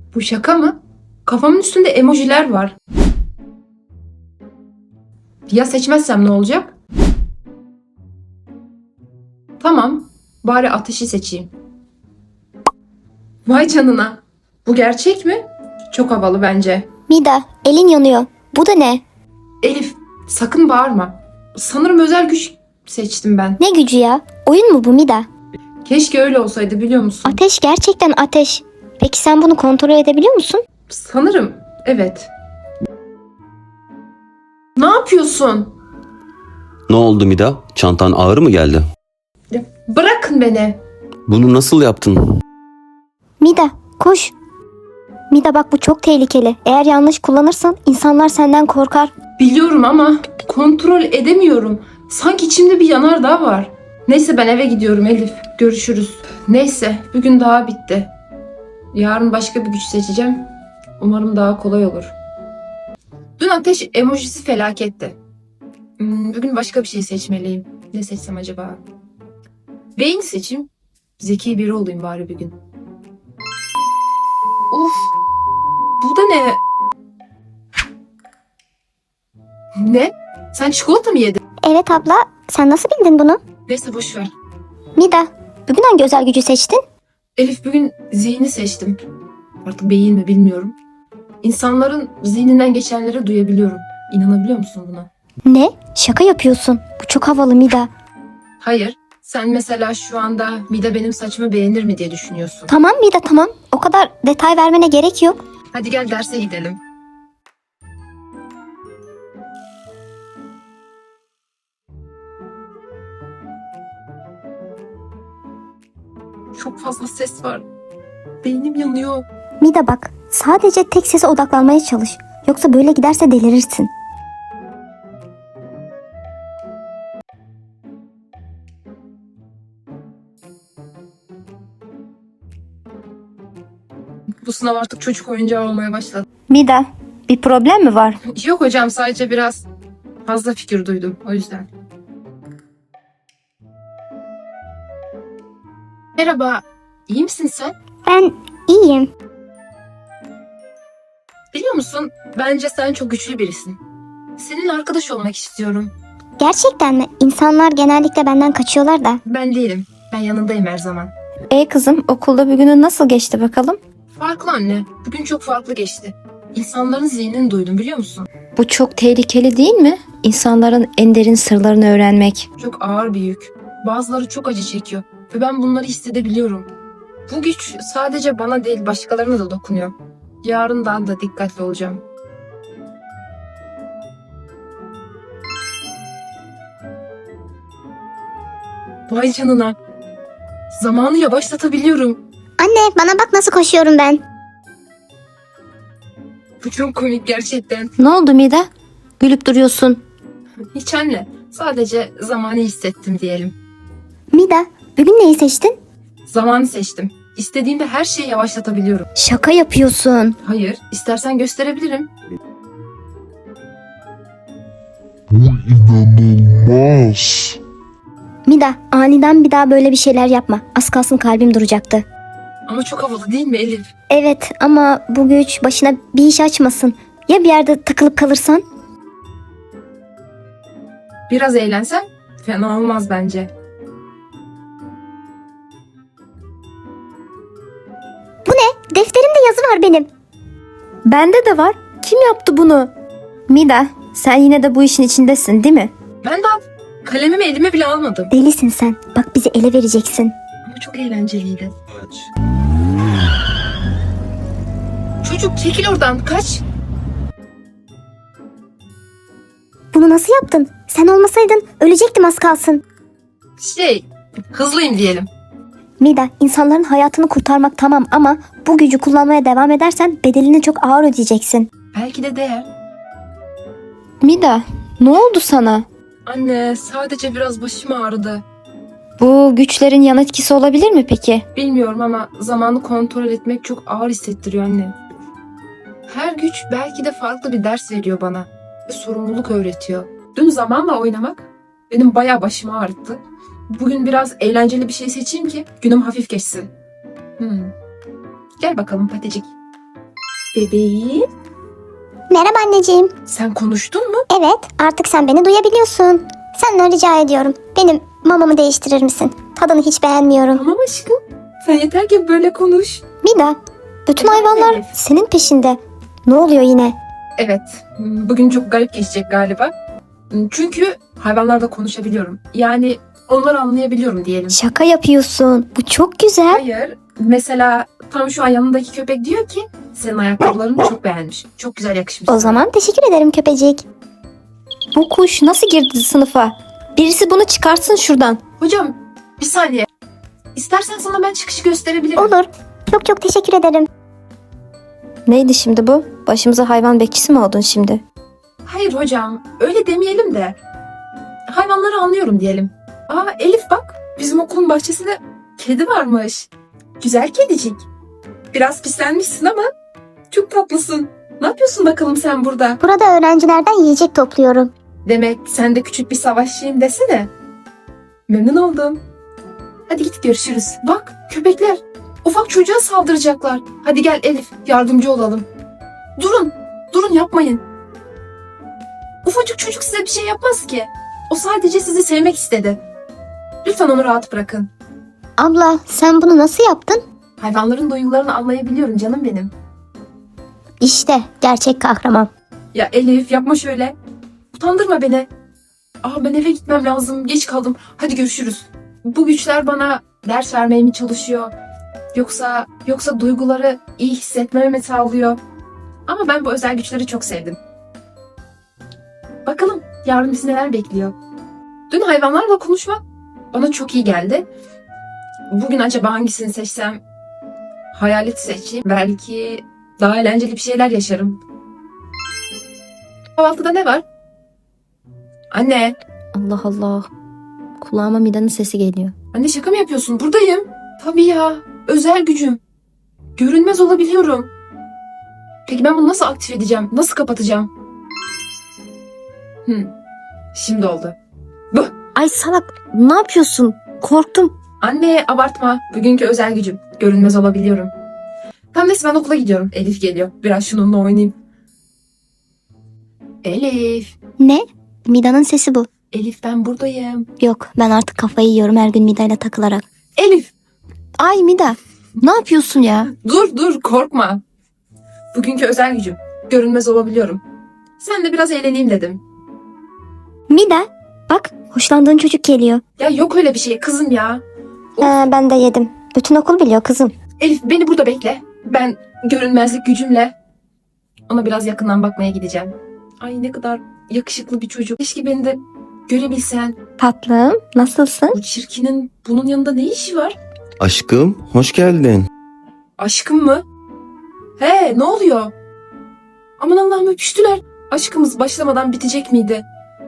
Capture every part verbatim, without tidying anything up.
Bu şaka mı? Kafamın üstünde emojiler var. Ya seçmezsem ne olacak? Tamam, bari ateşi seçeyim. Vay canına. Bu gerçek mi? Çok havalı bence. Mida, elin yanıyor. Bu da ne? Elif, sakın bağırma. Sanırım özel güç seçtim ben. Ne gücü ya? Oyun mu bu Mida? Keşke öyle olsaydı, biliyor musun? Ateş gerçekten ateş. Peki sen bunu kontrol edebiliyor musun? Sanırım, evet. Ne yapıyorsun? Ne oldu Mida? Çantan ağır mı geldi? Ya, bırakın beni. Bunu nasıl yaptın? Mida, koş. Mida bak, bu çok tehlikeli. Eğer yanlış kullanırsan insanlar senden korkar. Biliyorum ama kontrol edemiyorum. Sanki içimde bir yanardağ var. Neyse, ben eve gidiyorum Elif. Görüşürüz. Neyse, bugün daha bitti. Yarın başka bir güç seçeceğim. Umarım daha kolay olur. Dün ateş emojisi felaketti. Hmm, bugün başka bir şey seçmeliyim. Ne seçsem acaba? Beyin seçeyim. Zeki biri olayım bari bir gün. Uf! Bu da ne? Ne? Sen çikolata mı yedin? Evet abla, sen nasıl bildin bunu? Neyse, boş ver. Mida, bugün hangi özel gücü seçtin? Elif, bugün zihni seçtim. Artık beyin mi bilmiyorum. İnsanların zihninden geçenleri duyabiliyorum. İnanabiliyor musun buna? Ne? Şaka yapıyorsun. Bu çok havalı Mida. Hayır. Sen mesela şu anda Mida benim saçımı beğenir mi diye düşünüyorsun. Tamam Mida, tamam. O kadar detay vermene gerek yok. Hadi gel derse gidelim. Çok fazla ses var. Beynim yanıyor. Mida bak, sadece tek sese odaklanmaya çalış. Yoksa böyle giderse delirirsin. Bu sınav artık çocuk oyuncağı olmaya başladı. Mida, bir problem mi var? Yok hocam, sadece biraz fazla fikir duydum, o yüzden. Merhaba, iyi misin sen? Ben iyiyim. Biliyor musun, bence sen çok güçlü birisin. Seninle arkadaş olmak istiyorum. Gerçekten mi? İnsanlar genellikle benden kaçıyorlar da. Ben değilim, ben yanındayım her zaman. E kızım, okulda bir günün nasıl geçti bakalım? Farklı anne, bugün çok farklı geçti. İnsanların zihnini duydum, biliyor musun? Bu çok tehlikeli değil mi? İnsanların en derin sırlarını öğrenmek. Çok ağır bir yük. Bazıları çok acı çekiyor ve ben bunları hissedebiliyorum. Bu güç sadece bana değil, başkalarına da dokunuyor. Yarın daha da dikkatli olacağım. Vay canına. Zamanı yavaşlatabiliyorum. Anne, bana bak nasıl koşuyorum ben. Bu çok komik gerçekten. Ne oldu Mida? Gülüp duruyorsun. Hiç anne. Sadece zamanı hissettim diyelim. Mida, bugün neyi seçtin? Zamanı seçtim. İstediğimde her şeyi yavaşlatabiliyorum. Şaka yapıyorsun. Hayır, istersen gösterebilirim. Bu inanılmaz. Mida, aniden bir daha böyle bir şeyler yapma. Az kalsın kalbim duracaktı. Ama çok havalı değil mi Elif? Evet ama bu güç başına bir iş açmasın. Ya bir yerde takılıp kalırsan? Biraz eğlensem fena olmaz bence. Defterimde yazı var benim. Bende de var. Kim yaptı bunu? Mida, sen yine de bu işin içindesin değil mi? Ben daha kalemimi elime bile almadım. Delisin sen. Bak bizi ele vereceksin. Ama çok eğlenceliydi. Çocuk çekil oradan, kaç. Bunu nasıl yaptın? Sen olmasaydın ölecektim az kalsın. Şey, hızlıyım diyelim. Mida, insanların hayatını kurtarmak tamam ama bu gücü kullanmaya devam edersen bedelini çok ağır ödeyeceksin. Belki de değer. Mida, ne oldu sana? Anne, sadece biraz başım ağrıdı. Bu güçlerin yan etkisi olabilir mi peki? Bilmiyorum ama zamanı kontrol etmek çok ağır hissettiriyor anne. Her güç belki de farklı bir ders veriyor bana. Ve sorumluluk öğretiyor. Dün zamanla oynamak benim bayağı başımı ağrıttı. Bugün biraz eğlenceli bir şey seçeyim ki günüm hafif geçsin. Hmm. Gel bakalım Paticik. Bebeğim, Merhaba anneciğim. sen konuştun mu? Evet, artık sen beni duyabiliyorsun. Senden rica ediyorum. Benim mamamı değiştirir misin? Tadını hiç beğenmiyorum. Tamam aşkım. Sen yeter ki böyle konuş. Mida, bütün Efendim hayvanlar Elif? senin peşinde. Ne oluyor yine? Evet, bugün çok garip geçecek galiba. Çünkü hayvanlarla konuşabiliyorum. Yani onları anlayabiliyorum diyelim. Şaka yapıyorsun. Bu çok güzel. Hayır, mesela tam şu an yanındaki köpek diyor ki senin ayakkabılarını çok beğenmiş. Çok güzel yakışmış. O sana." zaman teşekkür ederim köpecik. Bu kuş nasıl girdi sınıfa? Birisi bunu çıkarsın şuradan. Hocam bir saniye. İstersen sana ben çıkışı gösterebilirim. Olur. Çok çok teşekkür ederim. Neydi şimdi bu? Başımıza hayvan bekçisi mi oldun şimdi? Hayır hocam, öyle demeyelim de. Hayvanları anlıyorum diyelim. Aa Elif bak, bizim okulun bahçesinde kedi varmış. Güzel kedicik. Biraz pislenmişsin ama çok tatlısın. Ne yapıyorsun bakalım sen burada? Burada öğrencilerden yiyecek topluyorum. Demek sen de küçük bir savaşçıyım desene. Memnun oldum. Hadi git görüşürüz. Bak köpekler ufak çocuğa saldıracaklar. Hadi gel Elif yardımcı olalım. Durun. Durun yapmayın. Ufacık çocuk size bir şey yapmaz ki. O sadece sizi sevmek istedi. Lütfen onu rahat bırakın. Abla sen bunu nasıl yaptın? Hayvanların duygularını anlayabiliyorum canım benim. İşte gerçek kahraman. Ya Elif yapma şöyle. Utandırma beni. Aa ben eve gitmem lazım. Geç kaldım. Hadi görüşürüz. Bu güçler bana ders vermeye mi çalışıyor? Yoksa yoksa duyguları iyi hissetmeme mi sağlıyor? Ama ben bu özel güçleri çok sevdim. Bakalım yarın bizi neler bekliyor. Dün hayvanlarla konuşmak bana çok iyi geldi. Bugün acaba hangisini seçsem? Hayalet seçeyim. Belki daha eğlenceli bir şeyler yaşarım. Kahvaltıda ne var? Anne. Allah Allah. Kulağıma Mida'nın sesi geliyor. Anne şaka mı yapıyorsun? Buradayım. Tabii ya. Özel gücüm. Görünmez olabiliyorum. Peki ben bunu nasıl aktif edeceğim? Nasıl kapatacağım? Hmm. Şimdi oldu. Bu. Ay salak, ne yapıyorsun? Korktum. Anne abartma. Bugünkü özel gücüm. Görünmez olabiliyorum. Tamam neyse ben okula gidiyorum. Elif geliyor. Biraz şununla oynayayım. Elif. Ne? Mida'nın sesi bu. Elif ben buradayım. Yok ben artık kafayı yiyorum her gün Mida'yla takılarak. Elif. Ay Mida, ne yapıyorsun ya? Dur dur korkma. Bugünkü özel gücüm. Görünmez olabiliyorum. Sen de biraz eğleneyim dedim. Mida bak hoşlandığın çocuk geliyor. Ya yok öyle bir şey kızım ya. Of. Ee, ben de yedim. Bütün okul biliyor kızım. Elif beni burada bekle. Ben görünmezlik gücümle ona biraz yakından bakmaya gideceğim. Ay ne kadar yakışıklı bir çocuk. Keşke beni de görebilsen. Tatlım, nasılsın? Bu çirkinin bunun yanında ne işi var? Aşkım, hoş geldin. Aşkım mı? He ne oluyor? Aman Allah'ım öpüştüler. Aşkımız başlamadan bitecek miydi?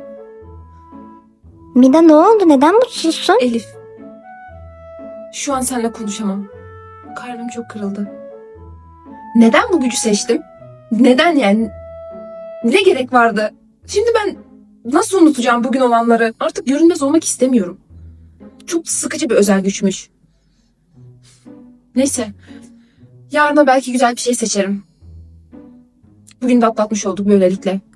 Mida ne oldu? Neden mutsuzsun? Elif. Şu an seninle konuşamam. Kalbim çok kırıldı. Neden bu gücü seçtim? Neden yani? Ne gerek vardı? Şimdi ben nasıl unutacağım bugün olanları? Artık görünmez olmak istemiyorum. Çok sıkıcı bir özel güçmüş. Neyse. Yarına belki güzel bir şey seçerim. Bugün de atlatmış olduk böylelikle.